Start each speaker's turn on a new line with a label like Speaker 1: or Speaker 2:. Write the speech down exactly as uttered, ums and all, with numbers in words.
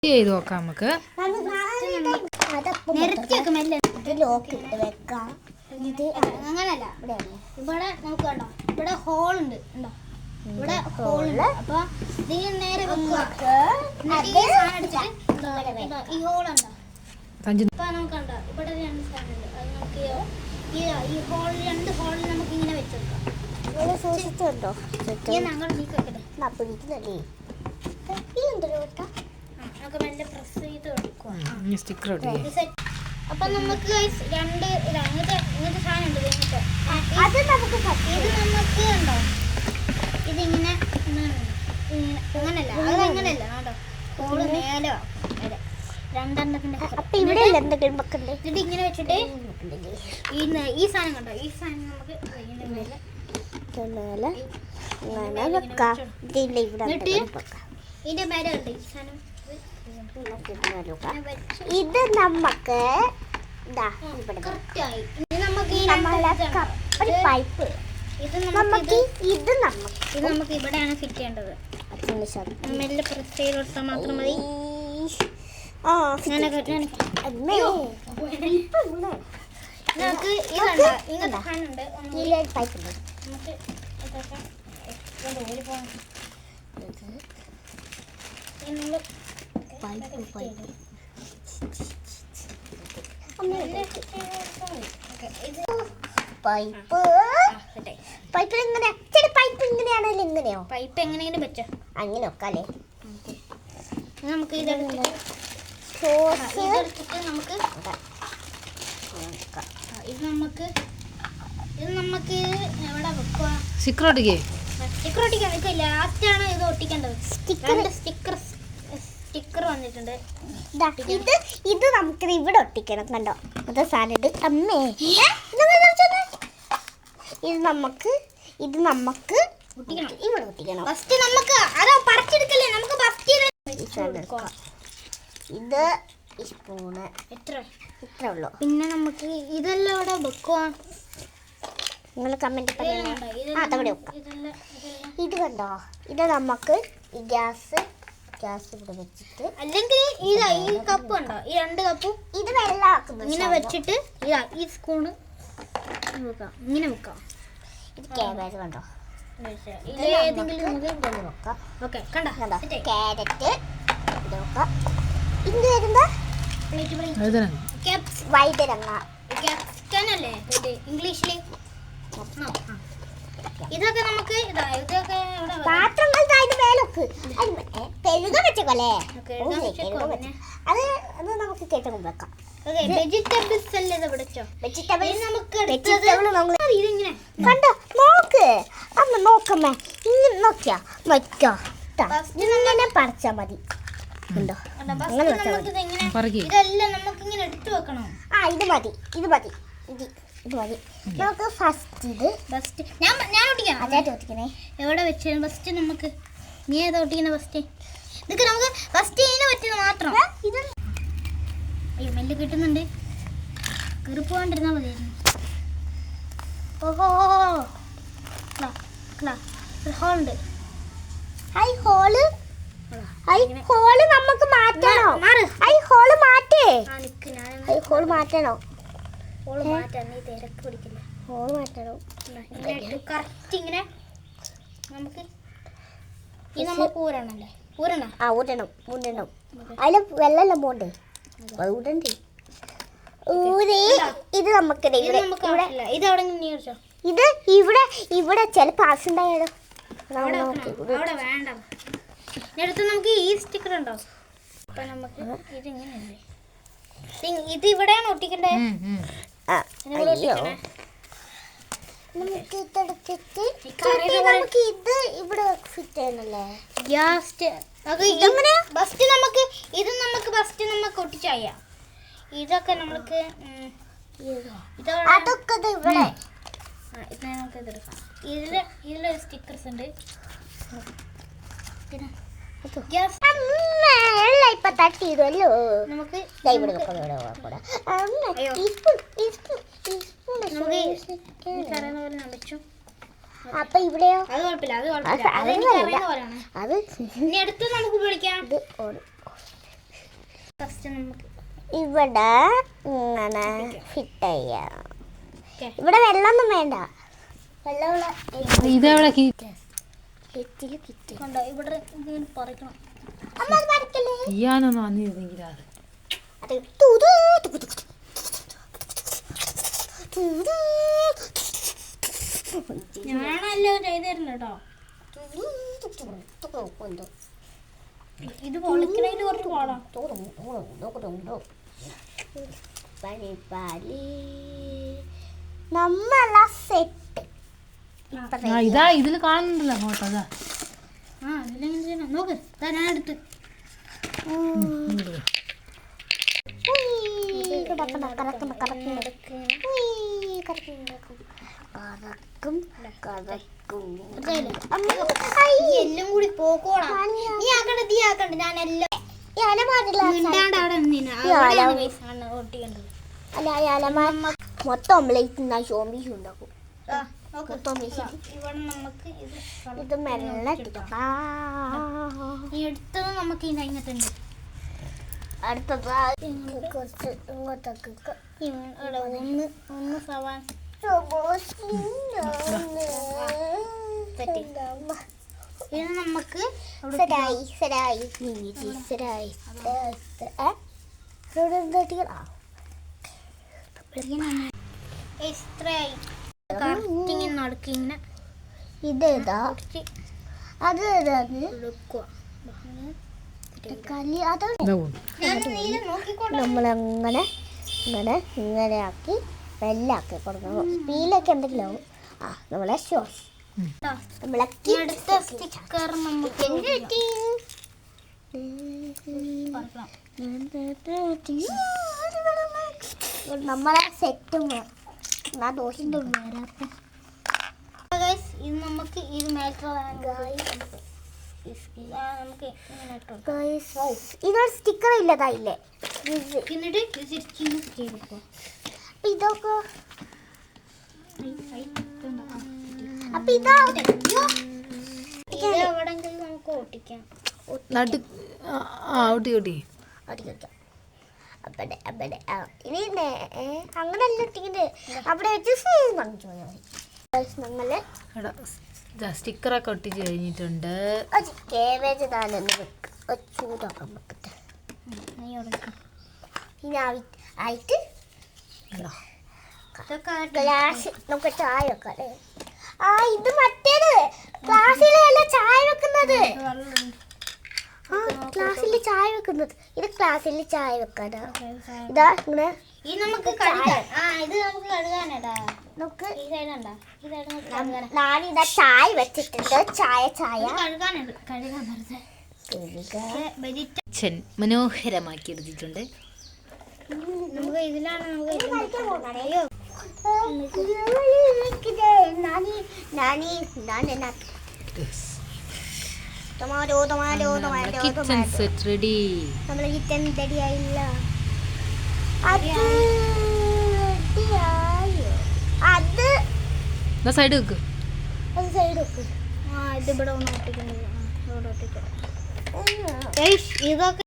Speaker 1: ചെയ്ത് നോക്കാം നമുക്ക്.
Speaker 2: അങ്ങനല്ല, ഇവിടെ നമുക്ക് കണ്ടോ, ഇവിടെ ഹോൾ ഉണ്ട്, ഉണ്ടോ, ഇവിടെ ഹോൾ ഉണ്ട്. അപ്പൊ ഇതിന് നേരെ ഈ ഹോൾ ഉണ്ടോ, അപ്പൊ നമുക്ക് കണ്ടോ ഇവിടെ രണ്ട് സാധനം ഉണ്ട്. അത് നമുക്ക് ഈ ഹോൾ രണ്ട് ഹോളിൽ നമുക്ക് ഇങ്ങനെ വെച്ചെടുക്കാം. ഞങ്ങൾ നീക്കട്ടെ നമുക്ക് മെല്ലെ പ്രസ് ചെയ്ത് കൊടുക്കുക. അപ്പൊ നമുക്ക് രണ്ട് ഇങ്ങനത്തെ ഇങ്ങനത്തെ സാധനം ഉണ്ട്. ഇങ്ങനത്തെ അത് നമുക്ക് ഇത് നമുക്ക് ഉണ്ടോ, ഇതിങ്ങനെ അങ്ങനല്ല, അത് അങ്ങനല്ല കേട്ടോ, ഹോള് മേലോ രണ്ടെണ്ണത്തിന്റെ. എന്നിട്ട് ഇങ്ങനെ വെച്ചിട്ട് ഈ സാധനം കണ്ടോ, ഈ സാധനം നമുക്ക് ഇതിന്റെ മേലെ ഉണ്ട് ഈ സാധനം.
Speaker 3: ഇത് നമുക്ക് പൈപ്പ്
Speaker 2: ഇത് നമുക്ക് ഇത് നമുക്ക് ഇവിടെയാണ് ഫിറ്റ് ചെയ്യേണ്ടത്. മെല്ലെ പ്രസ് ചെയ്ത് കൊടുത്താൽ മാത്രം മതി. നമുക്ക് ഇതുണ്ട്, ഇങ്ങനത്തെ സാധനമുണ്ട്,
Speaker 3: പൈപ്പ് ഉണ്ട്.
Speaker 2: നമുക്ക്
Speaker 3: പൈപ്പ് പൈപ്പ് എങ്ങനെ പൈപ്പ് ഇങ്ങനെയാണല്ലോ, ഇങ്ങനെയോ
Speaker 2: പൈപ്പ് എങ്ങനെയെങ്കിലും വെച്ചോ,
Speaker 3: അങ്ങനെ വെക്കാല്ലേ.
Speaker 2: നമുക്ക് ഇതെടുത്തിട്ട് ഇതെടുത്തിട്ട് നമുക്ക് ഇത് നമുക്ക് ഇത് നമുക്ക് എവിടെ വെക്കുക,
Speaker 1: സ്റ്റിക്കർ ഒട്ടിക്കേ
Speaker 2: സ്റ്റിക്കർ ഒട്ടിക്കാൻ നിൽക്കുക. ലാസ്റ്റ് ആണ് ഇത് ഒട്ടിക്കേണ്ടത്. സ്റ്റിക്കർ സ്റ്റിക്കർ സ്റ്റിക്കർ വന്നിട്ടുണ്ട്.
Speaker 3: ഇത് ഇത് നമുക്ക് ഇവിടെ ഒട്ടിക്കണം. കണ്ടോ അത് സാധനം അമ്മേ, ഇത് നമുക്ക് ഇത് നമുക്ക് ഇവിടെ ഒട്ടിക്കണം.
Speaker 2: ഫസ്റ്റ് നമുക്ക് അതോ പറിച്ചെടുക്കല്ലേ, നമുക്ക് ഫസ്റ്റ്
Speaker 3: ഇത് ഈ സ്പൂണ്
Speaker 2: എത്ര
Speaker 3: ഇത്ര ഉള്ളൂ.
Speaker 2: പിന്നെ നമുക്ക് ഇതെല്ലാം ഇവിടെ വെക്കുക.
Speaker 3: നിങ്ങൾ കമന്റ് അതവിടെ വെക്കാം. ഇത് കണ്ടോ, ഇത് നമുക്ക് ഈ ഗ്യാസ് ഗ്യാസ് ഇവിടെ വെച്ചിട്ട്,
Speaker 2: അല്ലെങ്കിൽ ഇതാ ഈ കപ്പ് ഉണ്ടോ, ഈ രണ്ട് കപ്പും
Speaker 3: ഇത് വെള്ളമാക്കുന്നു
Speaker 2: ഇങ്ങനെ വെച്ചിട്ട് ഇതാ ഈ സ്പൂണ് വെക്കാം, ഇങ്ങനെ വെക്കാം.
Speaker 3: ഇത് കാബേജ് കണ്ടോ,
Speaker 2: ഏതെങ്കിലും നമുക്ക്
Speaker 3: വെക്കാം.
Speaker 2: ഓക്കെ കണ്ടോ,
Speaker 3: കണ്ടോ ക്യാരറ്റ് ഇത് വെക്കാം. ഇത് വരുമ്പോ വൈതരങ്ങ
Speaker 2: ക്യാപ്സിക്കനല്ലേ ഇംഗ്ലീഷിൽ. ഇതൊക്കെ നമുക്ക് ഇതാ ഇതൊക്കെ
Speaker 3: പാത്രങ്ങൾ മേലൊക്കെ കഴുക വെച്ചോല്ലേ, അത് അത് നമുക്ക് കേട്ടോ വെക്കാം.
Speaker 2: വെജിറ്റബിൾസ് അല്ലേ ഇത് പിടിച്ചോ,
Speaker 3: വെജിറ്റബിൾസ്
Speaker 2: നമുക്ക്
Speaker 3: ഇതിങ്ങനെ കണ്ടോ, നോക്ക് അമ്മ നോക്കമ്മേ, ഇങ്ങനെ നോക്കിയാ നോക്കിയോ, ഇങ്ങനെ പറിച്ചാ മതി. ഉണ്ടോ
Speaker 2: ഇതെല്ലാം നമുക്ക് ഇങ്ങനെ എടുത്തു വെക്കണം.
Speaker 3: ആ ഇത് മതി ഇത് മതി ഇത് ഇത് മതി. നമുക്ക് ഫസ്റ്റ് ഇത്
Speaker 2: ഫസ്റ്റ് ഞാൻ ഞാൻ ഒട്ടിക്കണം.
Speaker 3: അതായത് ഒട്ടിക്കണേ
Speaker 2: എവിടെ വെച്ച് ഫസ്റ്റ് നമുക്ക് നീ ഏതാ ഒട്ടിക്കുന്നത് ഫസ്റ്റ്? ഇതൊക്കെ നമുക്ക് ഫസ്റ്റ് ഇതിനെ പറ്റുന്ന മാത്രം. ഇത് അയ്യോ മെല്ലെ കിട്ടുന്നുണ്ട്, കയറി പോകാണ്ടിരുന്നാൽ മതിയായിരുന്നു. ഓഹോ ഹോളുണ്ട്.
Speaker 3: ഹൈ ഹോള് ഹൈ ഹോള് നമുക്ക് മാറ്റണോ? ഹൈ ഹോള് മാറ്റേ ഹൈ ഹോള് മാറ്റണോ?
Speaker 2: ഹോള് മാറ്റാൻ നീ തിരക്ക് പിടിക്കില്ല.
Speaker 3: ഹോള് മാറ്റണോ?
Speaker 2: കറക്റ്റ് ഇങ്ങനെ നമുക്ക് ഇത് നമ്മൾ ഊരണല്ലേ, ഊരണ
Speaker 3: ആ ഊരണം ഊരണം. അതിൽ വെള്ളമെല്ലാം പോണ്ടേ, അത് ഊരണ്ടേ ഊരേ. ഇത് നമുക്ക്
Speaker 2: ഇത് അവിടെ
Speaker 3: ഇത് ഇവിടെ ഇവിടെ ചിലപ്പോൾ ആവശ്യമുണ്ടായാലോ.
Speaker 2: അവിടെ വേണ്ട, അടുത്ത് നമുക്ക് ഈ സ്റ്റിക്കർ ഉണ്ടോ, അപ്പൊ നമുക്ക് ഇതിങ്ങനെയല്ലേ, ഇത് ഇവിടെയാണ് ഒട്ടിക്കണ്ടേ.
Speaker 3: നമുക്ക് ഇതെടുത്തിട്ട് നമുക്ക് ഇത് ഇവിടെ ഫിറ്റ് ചെയ്യണല്ലേ.
Speaker 2: ഫസ്റ്റ് നമുക്ക് ഇത് നമുക്ക് ഫസ്റ്റ് നമുക്ക് ഒട്ടിച്ചായ ഇതൊക്കെ നമുക്ക്
Speaker 3: അതൊക്കെ ഇവിടെ
Speaker 2: ഇത് നമുക്ക് ഇതെടുക്കാം. ഇതില് ഇതിലൊരു സ്റ്റിക്കേഴ്സ് ഉണ്ട്.
Speaker 3: ഇപ്പൊ തട്ടിയതല്ലോ
Speaker 2: നമുക്ക്
Speaker 3: അപ്പൊ ഇവിടെയോ
Speaker 2: അത് കുഴപ്പമില്ല, അത് കുഴപ്പമില്ല, അത്
Speaker 3: അത്
Speaker 2: ഇനി അടുത്ത് നമുക്ക് വിളിക്കാം. ജസ്റ്റ് നമുക്ക്
Speaker 3: ഇവിടെ ഇങ്ങനെ ഫിറ്റ് ചെയ്യാം. ഇവിടെ വെള്ളമൊന്നും വേണ്ട. വെള്ളമുള്ള
Speaker 1: ഇതെവിടെ
Speaker 3: കിറ്റില് കിറ്റ്
Speaker 2: കണ്ടോ ഇവിടെ ഇങ്ങനെ പറിക്കണം.
Speaker 3: അമ്മ അത് പറിക്കല്ലേ.
Speaker 1: ചെയ്യാനൊന്നും വന്നിരുന്നെങ്കിൽ അത്
Speaker 3: അത് തുതു തുകു തുകു തുതു.
Speaker 2: ഞാനല്ലോ ചെയ്തു തരുന്നു കേട്ടോ.
Speaker 3: തുതു തുകു തുകു കൊണ്ടു.
Speaker 2: ഇത് പൊളിക്കണേല് കുറച്ച് പാടാം.
Speaker 3: നമ്മള സെറ്റ്
Speaker 1: ആ ഇതാ ഇതിൽ കാണുന്നുണ്ടല്ലോ ഫോട്ടോ അതാ
Speaker 2: ആ ഇതിലെങ്ങനെ ചെയ്യണം നോക്ക്. ഇതാ ഞാൻ എടുത്ത് എല്ലാം കൂടി പോക്കോളാം. നീ ആക്കണ്ട നീ ആക്കണ്ട ഞാൻ എല്ലാം മിണ്ടാണ്ട് അവിടെ നിന്നിന്. അവിടെയാണ് guys ആണ് ഒട്ടിക്കേണ്ടത്.
Speaker 3: മൊത്തം ഓംലേറ്റ് ഷോംബീസ് ഉണ്ടാക്കും.
Speaker 2: ആ, നോക്ക്. ഇതാ, ഇവിടെ നമുക്ക് ഇത്
Speaker 3: ഇത് മെല്ലെ
Speaker 2: ഈ എടുത്തത് നമുക്ക് ഇതിന്റെ അതിനകത്തുണ്ട്.
Speaker 3: അടുത്തത് കുറച്ച് ഇങ്ങോട്ടേക്ക്
Speaker 2: ഇവിടെ ഒന്ന് ഒന്ന് സവാൻ ഇത് നമുക്ക്
Speaker 3: സരായി സരായി സരായി
Speaker 2: ഇത്രയായി കറക്റ്റ് ഇങ്ങനെ നടക്കി ഇങ്ങനെ
Speaker 3: ഇതേതാ അത്
Speaker 2: എടുക്കുക.
Speaker 3: കളി അത്
Speaker 1: ഇതാ പോകുന്നു.
Speaker 2: ഞാൻ നീല നോക്കിക്കോട്ടെ.
Speaker 3: നമ്മളങ്ങനെ ഇങ്ങനെ ഇങ്ങനെ ആക്കി വെല്ലാക്കി കൊടുക്കണം. സ്പീലൊക്കെ എന്തെങ്കിലും ആവും. ആ നമ്മളെ ഷോസ് നമ്മളെ
Speaker 2: ഈ അടുത്ത സ്റ്റിക്കർ നമുക്ക് പറിക്കണം.
Speaker 3: നമ്മളെ സെറ്റും ദോഷം
Speaker 2: Guys, ഇത് നമുക്ക് ഇത് മേൽക്ക് നമുക്ക് ഇങ്ങനെ ഇട്ടു കൊടുക്കാം.
Speaker 3: ഇതൊരു സ്റ്റിക്കർ ഇല്ലതായില്ലേ.
Speaker 2: എന്നിട്ട് ഇത് ശരിക്കും ഇങ്ങനെ ചെയ്ത് വെക്കുക.
Speaker 3: ഇതൊക്കെ
Speaker 2: ഐ, ഐ, ഇതുണ്ടോ? ആ,
Speaker 3: അപ്പൊ ഇതാ
Speaker 2: ഇത് എവിടെങ്കിലും നമുക്ക് ഒട്ടിക്കാം.
Speaker 1: നടു ആ ഊട്ടി ഊട്ടി
Speaker 3: അടിക്കാം അവിടെ അവിടെ ആ ഇനി അങ്ങനല്ല ഒട്ടിക്കുന്നത്. അവിടെ വെച്ച് കാണിച്ചു പോയാൽ മതി. നമ്മള്
Speaker 1: എടാ സ്റ്റിക്കറൊക്കെ ഒട്ടിച്ച് കഴിഞ്ഞിട്ടുണ്ട്.
Speaker 3: കേബേജ് താനൊന്ന് വെക്കുക ചൂടാക്കാൻ വെക്കട്ടെ.
Speaker 2: നീ ഒടുക്കാം.
Speaker 3: ഇനി ആയിട്ട്
Speaker 1: എടാ
Speaker 2: ഇതൊക്കെ
Speaker 3: ഗ്ലാസ് നമുക്ക് ചായ വെക്കാം അല്ലേ. ആ ഇത് മറ്റേത് ക്ലാസ്സിലല്ല ചായ വെക്കുന്നത്.
Speaker 2: വെള്ളം
Speaker 3: ആ ക്ലാസ്സിൽ ചായ വെക്കുന്നത്. ഇത് ക്ലാസ്സിൽ ചായ വെക്കാനാ. ഇതാ ഇങ്ങനെ
Speaker 2: ഇത് നമുക്ക് കഴുകാൻ. ആ ഇത് നമുക്ക് കഴുകാനടാ.
Speaker 3: നമുക്ക്
Speaker 2: ഈ സൈഡ് ഉണ്ടാ ഈ സൈഡ് നമുക്ക് കഴുകാൻ.
Speaker 3: ഞാനിതാ ചായ വെച്ചിട്ടുണ്ട്. ചായ ചായ
Speaker 2: ഇത് കഴുകാനുണ്ട്. കഴുകാൻ വെറുതെ വെജിറ്റ
Speaker 1: കിച്ചൻ മനോഹരമാക്കി എടുത്തിട്ടുണ്ട്.
Speaker 2: നമുക്ക് ഇതിലാണ് നമുക്ക് ഇത്
Speaker 3: അയ്യോ നാനി നാനി നാനി tomato tomato tomato
Speaker 1: kitchen
Speaker 3: tomato
Speaker 1: set ready.
Speaker 3: നമ്മളെ കിച്ചൻ റെഡിയായില്ല. അത് റെഡിയായോ? അത്
Speaker 1: എന്നാ സൈഡ് വെക്ക്.
Speaker 3: അത് സൈഡ് വെക്ക്.
Speaker 2: ആ ഇത് ഇവിടെ ഒന്ന് ഒട്ടിക്കുന്നില്ല. ഇവിടെ ഒട്ടിക്കാം.
Speaker 3: ഉം.
Speaker 2: ഗയ്സ്, ഇതൊക്കെ